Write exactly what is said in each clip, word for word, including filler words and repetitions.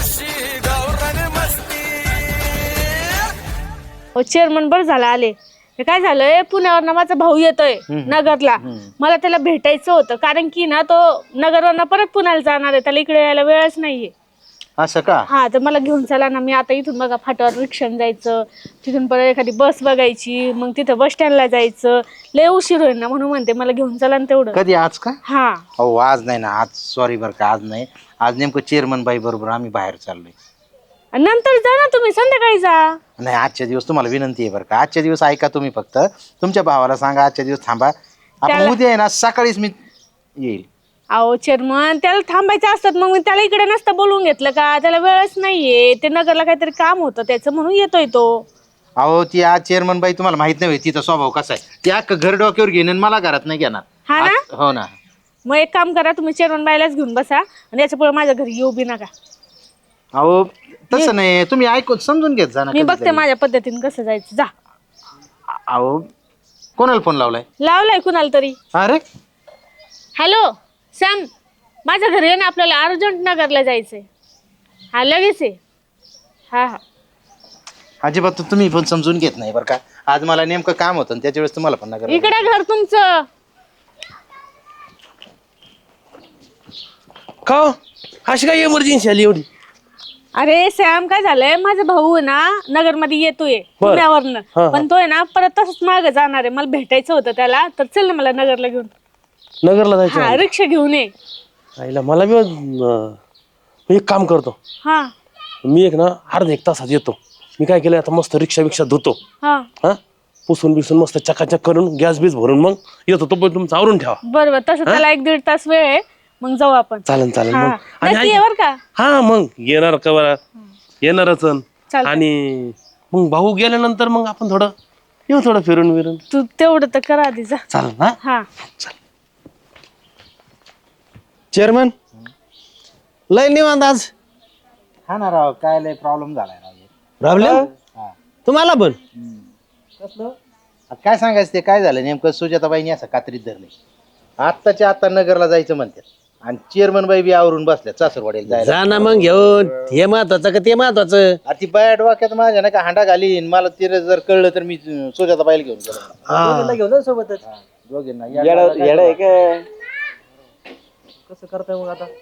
Chairman बरं झालं आले. हे काय झालंय, पुण्यावरनं माझा भाऊ येतोय नगरला. मला त्याला भेटायचं होतं, कारण की ना तो नगरवरनं परत पुण्याला जाणार आहे, त्याला इकडे यायला वेळच नाहीये. असं का? हा, तर मला घेऊन चला ना. मी आता इथून बघा फाट्यावर रिक्षाने जायचं, तिथून परत एखादी बस बघायची, मग तिथं बस स्टँडला जायचं, लय उशीर होईल ना, म्हणून म्हणते मला घेऊन चला ना तेवढं. कधी आज का? हा. हो आज नाही ना, आज सॉरी बरं का, आज नाही. आज नेमकं चेअरमन बाई बरोबर आम्ही बाहेर चाललोय. नंतर जा ना तुम्ही, संध्याकाळी जा. नाही, आजच्या दिवस तुम्हाला विनंती आहे बरं का, आजच्या दिवस ऐका तुम्ही. फक्त तुमच्या भावाला सांगा आजच्या दिवस थांबा. आपण उद्या आहे ना सकाळीच मी येईल. अहो चेअरमन, त्याला थांबायचं असतात, मग मी त्याला इकडे नसतं बोलवून घेतलं का? त्याला वेळच नाहीये, ते नगरला काहीतरी काम होतं त्याचं, म्हणून येतोय तो. अहो ती आज चेअरमन बाई तुम्हाला माहित नाही तिचा स्वभाव कसा आहे. ती अख्खं घर डोक्यावर घेईन आणि मला घरात नाही घेणार. हा ना? हो ना. मग एक काम करा, तुम्ही चेअरमन बाईलाच घेऊन बसा आणि याच्या पुढे माझ्या घरी येऊ बी नका. अहो तसं नाही, तुम्ही ऐकून समजून घेत जा ना. मी बघते माझ्या पद्धतीने कसं जायचं. जा. अहो कोणाला फोन लावलाय? लावलाय कुणाला तरी. अरे हॅलो सॅम, माझ्या घरी आहे ना, आपल्याला अर्जंट नगरला जायचंय. हा लगेच आहे. हा हा. अजिबात तुम्ही पण समजून घेत नाही बरं का. आज मला नेमकं काम होतं त्याच्या वेळेस तुम्हाला पण नगर. इकडे घर तुमचं का अशी काय इमर्जन्सी आली एवढी? अरे सॅम, काय झालंय, माझा भाऊ आहे ना नगरमध्ये येतोय पुण्यावरनं, पण तो आहे ना परत तसंच मागे जाणार आहे. मला भेटायचं होतं त्याला, तर चल ना मला नगरला घेऊन. नगरला जायचं? हा, रिक्षा घेऊन ये. आईला मला बी अं, मी एक काम करतो. हा मी एक ना अर्धा एक तासात येतो. मी काय केलं आता, मस्त रिक्षा बिक्षा धुतो, हा हा पुसून बिसून मस्त चकाचक करून गॅस बीस भरून मग येतो. तो पण तुमचं आवरून ठेवा. बरोबर, तसं त्याला एक दीड तास वेळ आहे, मग जाऊ आपण. चालेल चालेल हा. मग. आणि नक्की ऐक- ये बरं का. हा मग येणार का बरं, येणारच. चालतंय. आणि मग भाऊ गेल्यानंतर मग आपण थोडं येऊ, थोडं फिरून फिरून. तू तेवढं तर करा आधी, जा. चालेल ना? हा. चेअरमन लय निवांत आज. हा ना राव, काय लय प्रॉब्लेम झालाय राव. प्रॉब्लेम हा. तुम्हाला पण? आता काय सांगायचं, ते काय झालं नेमकं, सुजाताबाईंनी असं कात्रीत धरले. आत्ताच्या आता नगरला जायचं म्हणतात आणि चेअरमन बाई बी आवरून बसल्या सासरवाडीला जायला. जा ना मग घेऊन, हे महत्वाचं का ते महत्वाचं? आ ती बाया डोक्यात माझ्या नाही का हांडा घालीन, मला तिला जर कळलं तर मी सुजाताबाईला घेऊन गेलो. घेऊन सोबतच. दोघींना कसं करताय मग आता?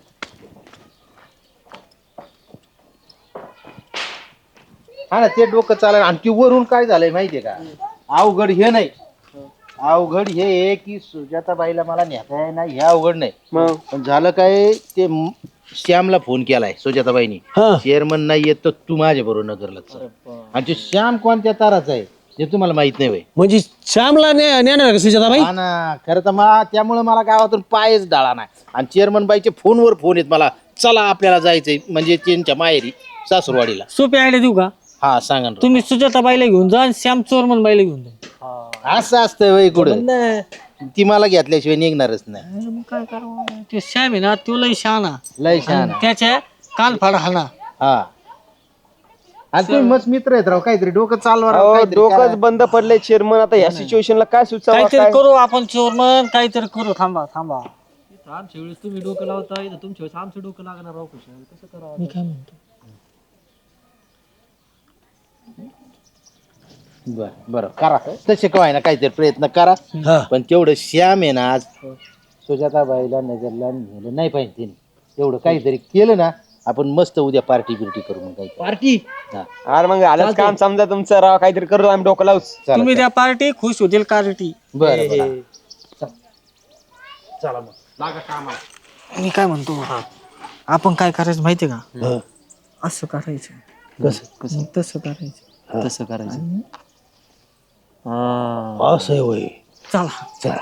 हा ना, ते डोकं चालेल. आणि ती वरून काय झालंय माहितीये का, अवघड हे नाही, अवघड हे आहे की सुजाताबाईला मला नेता नाही, हे अवघड नाही. पण झालं काय, ते म- श्यामला फोन केलाय सुजाताबाईनी, चेअरमन नाही येत तर तू माझ्या बरोबर नगरला चल. आणि ते श्याम कोणत्या ताराचा आहे ते तुम्हाला माहित नाही होय. म्हणजे श्यामला ने- नेणार का सुजाताबाई? हा ना, खरं तर मला त्यामुळे मला गावातून पायच डाळा नाही. आणि चेअरमन बाईचे फोनवर फोन येत मला, चला आपल्याला जायचंय म्हणजे त्यांच्या माहेरी सासरवाडीला. सोपी आयडिया देऊ का? हा सांगा ना. तुम्ही सुजाताबाईला घेऊन जा आणि श्याम चोरमन बाईला घेऊन जा. असं असतं वय कुठं, ती मला घेतल्याशिवाय निघणारच नाही. मग काय करावं, ते श्याम आहे ना, तो लय शहाणा, लय छान. त्याच्या कान फाड हाना. हा, आणि तुम्ही मस्त मित्र आहेत राव, काहीतरी डोकं चालवा राव, काहीतरी डोकंच करा. बंद पडलंय चेअरमन. आता या सिच्युएशनला काय सुचावं? काहीतरी करू आपण चोरमन, काहीतरी करू. थांबा थांबा, आमच्या वेळेस तुम्ही डोकं लावता, इथं तुमच्या वेळेस आमचं डोकं लागणार राव. कसं करावं? मी काय म्हणतो, बर बरं करा, तसे काय ना काहीतरी प्रयत्न करा. पण तेवढं श्याम आहे ना, आज सुजाताबाईला नगरला नेलं नाही पाहिजे तिने. तेवढं काहीतरी केलं ना, आपण मस्त उद्या पार्टी बिर्टी करू. मग काही पार्टी अरे मग आलंच काम समजा तुमचं राव. काहीतरी करू आम्ही, डोकं लावूच. तुम्ही त्या पार्टी खुश होतील. पार्टी बरं बरं चला मग लागा कामाला. मी काय म्हणतो, आपण काय करायचं माहितीये का? असं करायचं. कसं कसं तसं करायचं, तसं करायचं. असं होय. चला चला.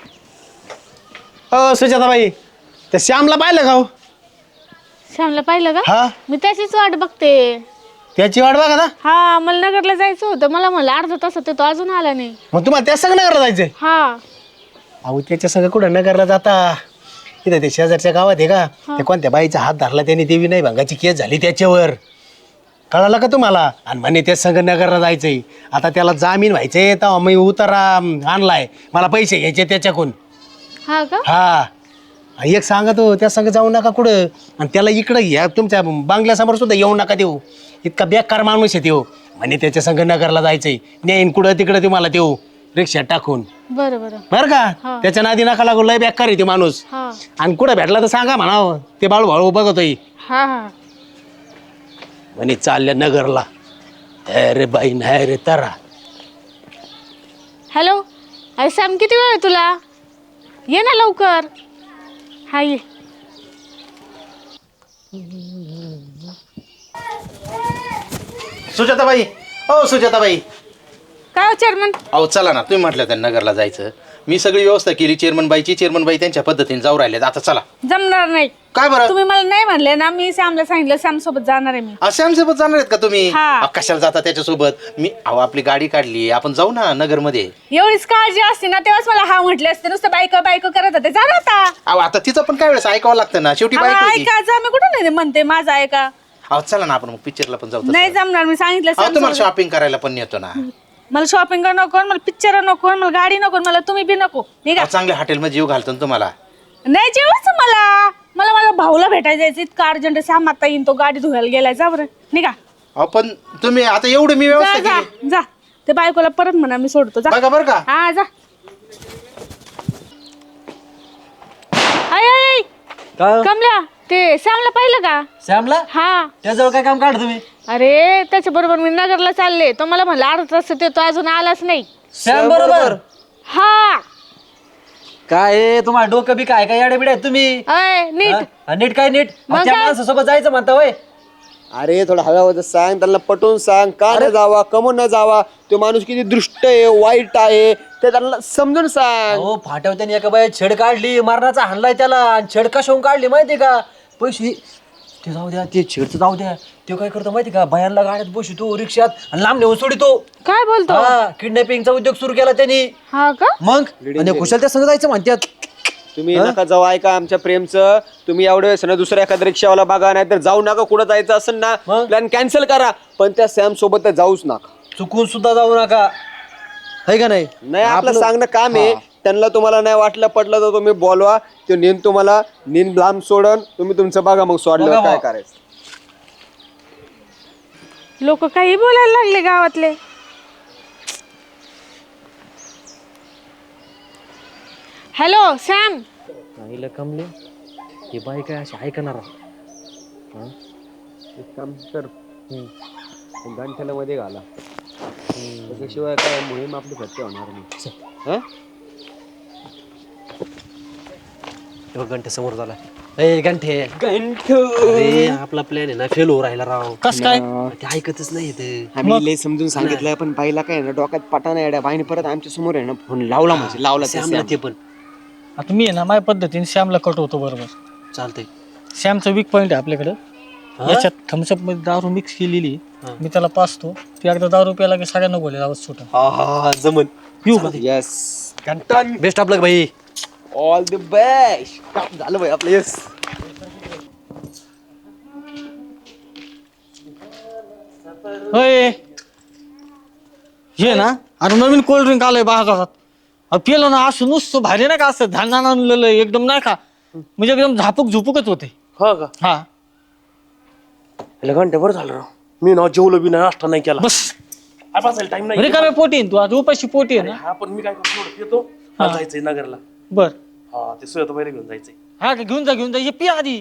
अ सुजाताबाई, त्या श्यामला पाहिलं का हो? श्यामला पाहिलं का? हा, मी त्याचीच वाट बघते. त्याची वाट बघा ना. हा, मला नगरला जायचं होतं. मला म्हणलं अर्धा तासात तो अजून आला नाही. मग तुम्हाला त्या संग नगरला जायचंय? हा. अहो त्याच्या संग कुठं नगरला जाता, तिथे ते शेजारच्या गावात आहे का, ते कोणत्या बाईचा हात धरला त्याने, देवी नाही भंगाची केस झाली त्याच्यावर. कळालं का तुम्हाला? आणि म्हणे त्या संग नगरला जायचंय. आता त्याला जामीन व्हायचंय, तर मी उतारा आणलाय, मला पैसे घ्यायचे त्याच्याकडून. हा का? हा, आणि एक सांगतो त्या संग जाऊ नका कुठं आणि त्याला इकडं या तुमच्या बांगल्यासमोर सुद्धा येऊ नका देऊ. इतका बेकार माणूस आहे त्यो. म्हणे त्याच्या संग नगरला जायचंय नेईन कुठं तिकडं तुम्हाला देऊ रिक्षात टाकून. बरं बरं बरं का त्याच्या नादी नका लागू लय बेकार आहे ते माणूस. हा आणि कुठं भेटला तर सांगा म्हणावं ते बाळू भाऊ बघतोय हा हा म्हणे चालल्या नगरला. अरे बाई नाही रे तारा. हॅलो अरे सॅम किती वेळ आहे तुला ये ना लवकर. हा ये. सुजाताबाई हो सुजाताबाई काय हो चेअरमन अहो चला ना तुम्ही म्हटलं त्या नगरला जायचं मी सगळी व्यवस्था केली चेअरमन बाईची चेअरमन बाई त्यांच्या पद्धतीने जाऊ राहिले आता चला. जमणार नाही. काय बरं तुम्ही मला नाही म्हणले ना मी सॅमला सांगितलं सॅम सोबत जाणार आहे मी. श्याम सोबत जाणार आहेत का तुम्ही हा. अहो, कशाला जाता त्याच्यासोबत मी अहो आपली गाडी काढली आपण जाऊ ना नगर मध्ये. एवढीच काळजी असते ना तेव्हाच मला हा म्हटले असते नुसतं बायको बायको करत होते जा ना आता. अहो आता तिचं पण काय वेळेस ऐकावं लागतं ना शेवटी बाईक हा, होती. ऐका जा मी कुठं नाही म्हणते माझं ऐका. अहो चला ना आपण मग पिक्चरला पण जाऊ तसं. नाही जमणार मी सांगितलं अहो सॅम तुम्हाला सोबत. शॉपिंग करायला पण नेतो ना. मला शॉपिंग नको मला पिक्चर नको मला गाडी नको मला तुम्ही बी नको निघा. अहो, चांगल्या हॉटेलमध्ये जीव घालतो ना तुम्हाला. नाही जेवायचं मला मला माझ्या भाऊला भेटायला जायचं इतकं अर्जंट सॅम आता येईन तो गाडी धुवायला गेलाय जा बरं निघा. अहो पण तुम्ही आता एवढी मी जा व्यवस्था जा केली जा ते बायकोला परत म्हणा मी सोडतो जा. बघा बरं का. हा जा. आय आय आय. काय कमला ते सॅमला पाहिलं का. श्यामला हा त्याजवळ काय काम काढ तुम्ही अरे त्याच्या बरोबर मी नगरला चालले तो मला म्हणला अर्धा तास ते तो अजून आलाच नाही. श्याम बरोबर हा काय आहे, तुम्हाला डोकं बी काय काय बिड्या तुम्ही अय नीट हा, नीट काय नीट मग त्या काय? माणसासोबत जायचं म्हणता होय. अरे थोडं हळूहळू सांग त्यांना पटवून सांग का न जावा कमून न जावा तो माणूस किती दृष्ट आहे वाईट आहे ते त्यांना समजून सांग. हो फाट्यावर त्यांनी एका बाई छेड काढली मारणाचा हाणलाय त्याला आणि छेड कशाहून काढली माहिती का पैसे ते जाऊ द्या ते छेडचं जाऊ द्या ते काय करतो माहिती का बायांना गाड्यात बसतो रिक्षात आणि लांब नेऊन सोडितो. काय बोलतो हा किडनॅपिंगचा उद्योग सुरू केला त्यांनी. हा का मग आणि कुशल त्या संग जायचं म्हणतात. तुम्ही नका जाऊ ऐका आमच्या प्रेमचं तुम्ही एवढे वेळेस ना दुसऱ्या एखाद्या रिक्षावाला बघा नाही तर जाऊ नका कुठं जायचं असेल ना मग? प्लॅन कॅन्सल करा पण त्या सॅम सोबत तर जाऊच नका. चुकून सुद्धा जाऊ नका है का नाही. नाही आपलं सांगणं काम आहे त्यांना तुम्हाला नाही वाटलं पटलं तर तुम्ही बोलवा तो नेन तुम्हाला नेन लांब सोडन तुम्ही तुमचं बघा मग सोडलं बघा काय मग. करायचं. लोक काही बोलायला लागले गावातले. हॅलो सॅम आईला कमले हे बाई काय अशी ऐकणार एक काम कर गांठ्याला मध्ये घाला त्याच्याशिवाय काय मोहीम आपली फत्ते होणार नाही. हं? घंटे समोर झाला ए घंटे गंठ अरे आपला प्लॅन आहे ना फेल हो राहिला राव. कस काय ते ऐकतच नाही ते. आम्ही लय समजून सांगितलं पण बाईला काय ना डोक्यात पटा नाही येड्या बाईने परत आमच्या समोर आहे ना फोन लावला म्हणजे लावला त्या श्यामला श्याम. ते पण आता मी आहे ना माझ्या पद्धतीने श्यामला कटवतो बरोबर. चालतंय. श्यामचं वीक पॉईंट आहे आपल्याकडं याच्यात थम्सअप मध्ये दारू मिक्स केलेली आहे. मी त्याला पाचतो ती एकदा दारू प्यायला की सगळ्यांना बोलेल आवाज सुटा. हा हा हा जमन पिऊ का येस कंटन बेस्ट ऑफ लक भाई. ऑल द बेस्ट काम झालं भाई आपलं. येस होय हे ना आता नवीन कोल्ड्रिंक आलंय बाजारात. अहो, पिलं ना असं नुसतं भारी नाही का असं धान आणलेलं एकदम नाही का म्हणजे एकदम झापूक झुपूकच होते. हा का हा घंटे बरं झालं राव. मी ना जेवलो बी नाही नाश्ता नाही केला. बस बसायला टाइम नाही. रिकाम्या पोटी आहे ना तू आज उपाशी पोटी आहे ना. हा पण मी काय करतो थोडं पितो. हा जायचंय नगरला. बर हा ते सुयत पहिले घेऊन जायचंय. हा का घेऊन जा घेऊन जा हे पी आधी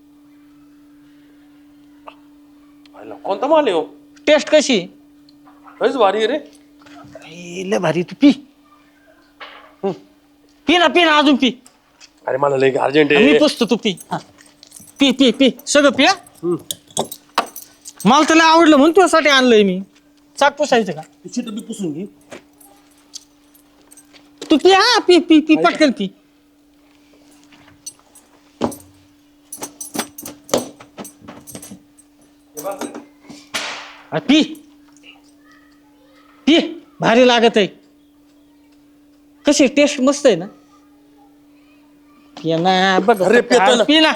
आयला, कोणता माल आहे हो टेस्ट कशी लयच भारी आहे रे. ए, लय भारी तू पी हं. पी ना पी ना अजून पी. अरे मला लय अर्जंट मी आहे. पुसतो तू पी हा. पी पी पी सगळं पी हा. मला त्याला आवडलं म्हणून तुझ्यासाठी आणलंय मी. चाक पुसायचं का चिट बी पुसून घे. तू पी हा पी पी पी पटकन पी. हा, पी पी भारी लागत आहे. कशी टेस्ट मस्त आहे ना. पी ना बघ अरे, पितो ना. पी ना.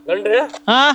हा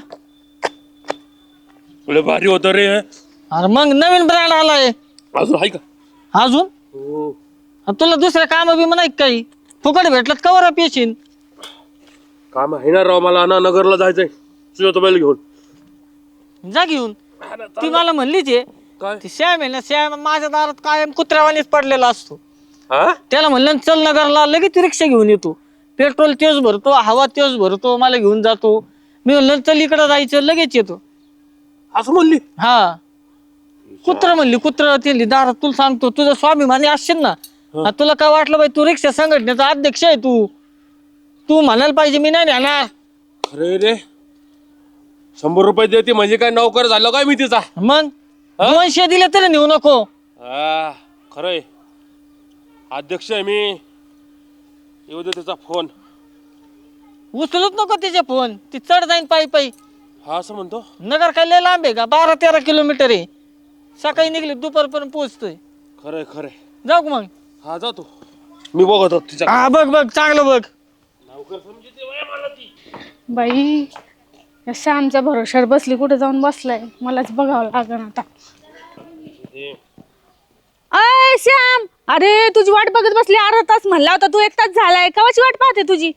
लय भारी होतं रे. अरे मग नवीन ब्रँड आलाय अजून आहे का? अजून हो. आणि तुला दुसऱ्या काम बी नाही काही फुकट भेटलं कवर पेशीन काम आहे ना राव, मला ना नगरला जायचंय सुजाताबाईला घेऊन. जा घेऊन. ती मला म्हणलीच आहे काय? ती श्याम आहे ना श्याम माझ्या दारात कायम कुत्र्यावानीच पडलेला असतो. हा त्याला म्हणलं चल नगरला लगेच रिक्षा घेऊन येतो. पेट्रोल तेच भरतो हवा तेच भरतो मला घेऊन जातो. मी म्हणलं चल इकडं जायचं लगेच येतो. असं म्हणली? हा कुत्र म्हणली कुत्र ते दारात तुला सांगतो तुझा स्वाभिमानी असशील ना आणि तुला काय वाटलं बाई तू रिक्षा संघटनेचा अध्यक्ष आहे तू तू म्हणायला पाहिजे मी नाही नेणार. अरे रे शंभर रुपये देते म्हणजे काय नोकर झालं काय मी तिचा? मग दोनशे दिले तरी नेऊ नको. हा खरंय अध्यक्ष आहे मी. येऊ दे तिचा फोन. उचलूच नको तिचे फोन ती चढ जाईन पायी पायी. हा असं म्हणतो. नगर काय लय लांब आहे का बारा तेरा किलोमीटर आहे. सकाळी निघली दुपारपर्यंत पोहोचतोय. खरंय खरंय. जाऊ का मग? हा जातो मी बघतो तिचा. हा बघ बघ चांगलं बघ. बाई या श्यामच्या भरोश्यावर बसली कुठे जाऊन बसलाय मलाच बघावं लागण आता. अय श्याम अरे तुझी वाट बघत बसली अर्धा तास म्हणला होता तू एक तास झालाय कवाची वाट पाहते तुझी?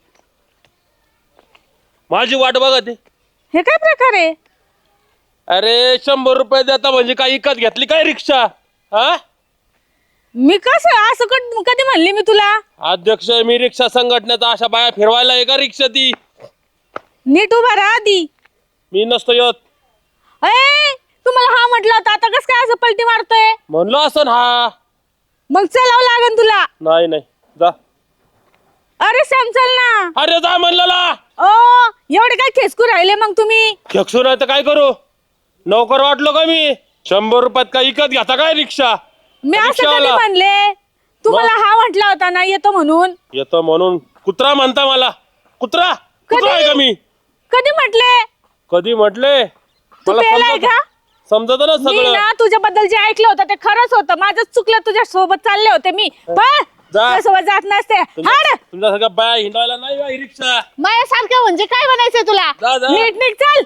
माझी वाट बघा ते. हे काय प्रकार आहे? अरे शंभर रुपये देता म्हणजे काय इकत घेतली काय रिक्षा? हा मी कसं असं कध- कधी म्हणली मी तुला? अध्यक्ष आहे मी रिक्षा संघटनेचा. अशा बाया फिरवायला आहे का रिक्षा ती? नीट उभा राहा आधी. मी नसतो येत. अय तुम्हाला हा म्हटलं होतं आता कसं काय असं पलटी मारतोय? म्हणलो असं हा. मग चलावं लागन तुला. नाही नाही जा. अरे श्याम चल ना. अरे जा म्हणलेला. ओ एवढे काय खेचकू राहिले मग तुम्ही? खेकसू नाही तर काय करू? नोकर वाटलो का मी? शंभर रुपयात काय इकत घेता काय रिक्षा? मी असं कधी रिक्षावाला. म्हणले? तुम्हाला हा म्हटला होता ना येतो म्हणून. येतो म्हणून कुत्रा म्हणता मला? कुत्रा कुत्रा आहे का मी? कधी म्हटले? कधी म्हटले? तू मला पेलाय समजत का? समजत ना मी सगळं. ना तुझ्याबद्दल जे ऐकलं होतं ते खरंच होतं. माझंच चुकलं तुझ्या सोबत चालले होते मी. पण जा. सोबत जात नसते. हाड तुमच्या सगळ्या बाया हिंडायला नाही बाई रिक्षा. माझ्यासारखं म्हणजे काय बनायचंय तुला? जा, जा. नीट नीट चल.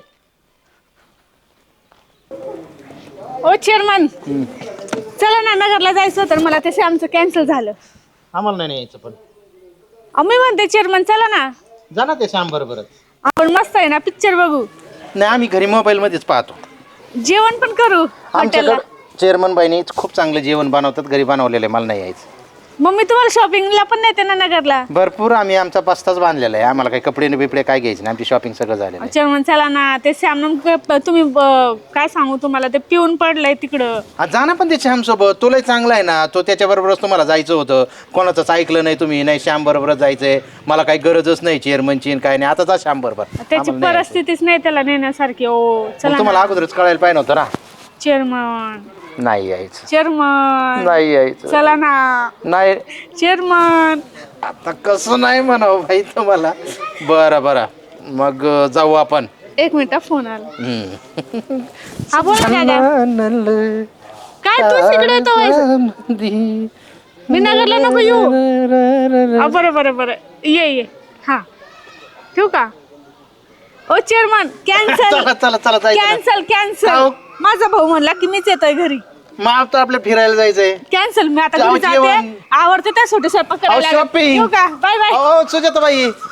ओ चेअरमन चला ना नगरला जायचं तर मला ते आमचं कॅन्सल झालं. आम्हाला नाही यायचं पण. आम्ही म्हणते चेअरमन चला ना जा ना ते श्याम बरोबरच. आपण मस्त आहे ना पिक्चर बघू नाही आम्ही घरी मोबाईल मध्येच पाहतो. जेवण पण करू हॉटेलला. आमच्याकडे चेअरमन बाईनी खूप चांगलं जेवण बनवतात घरी बनवलेलं आहे. मला नाही यायचं. मग मी तुम्हाला शॉपिंगला पण नेते ना नगरला. भरपूर आम्ही आमचा पस्ताच बांधलेला आहे. आम्हाला काही कपडे बिपडे काय घ्यायचे नाही. आमची शॉपिंग सगळं झालेलं आहे. चेअरमन चला ना ते श्याम तुम्ही ब- काय सांगू तुम्हाला ते पिऊन पडलंय तिकडं. हा, जा ना पण ते श्याम सोबत. तुलाही चांगला आहे ना. तो त्याच्याबरोबरच तुम्हाला जायचं होतं. कोणाचंच ऐकलं नाही तुम्ही. नाही श्याम बरोबरच जायचंय. मला काही गरजच नाही चेअरमनची काय नाही. आता जा श्याम बरोबर. त्याची आम्हाला नाही यायचं. परिस्थितीच नाही त्याला नेण्यासारखी. ओ मग चला तुम्हाला ना अगोदरच कळायला पाहिजे नव्हतं ना. चेअरमन नाही यायचं. चेअरमन नाही यायचं. चला ना नाही चेअरमन. आता कसं नाही म्हणावं भाई तुम्हाला. बरं बरं मग अं, जाऊ आपण. एक मिनिट फोन आला. हम्म. हा बोला ना दादा. काय तू तिकडे येतो व्हायचं? मी नगरला नको येऊ. हा, बरं बरं बरं ये ये हा ठेवू का? ओ चेअरमन कॅन्सल चला चला चला जायचं ना. Cancel cancel. जाऊ. माझा भाऊ म्हणला की मीच येतोय घरी. मग आता आपल्या फिरायला जायचंय. कॅन्सल. मी आता जाऊ घरी जाते. जेवण. आवडते त्यासाठी स्वयंपाक अहो, करायला. shopping. ठेवू का? Bye bye. हो सुजाताबाई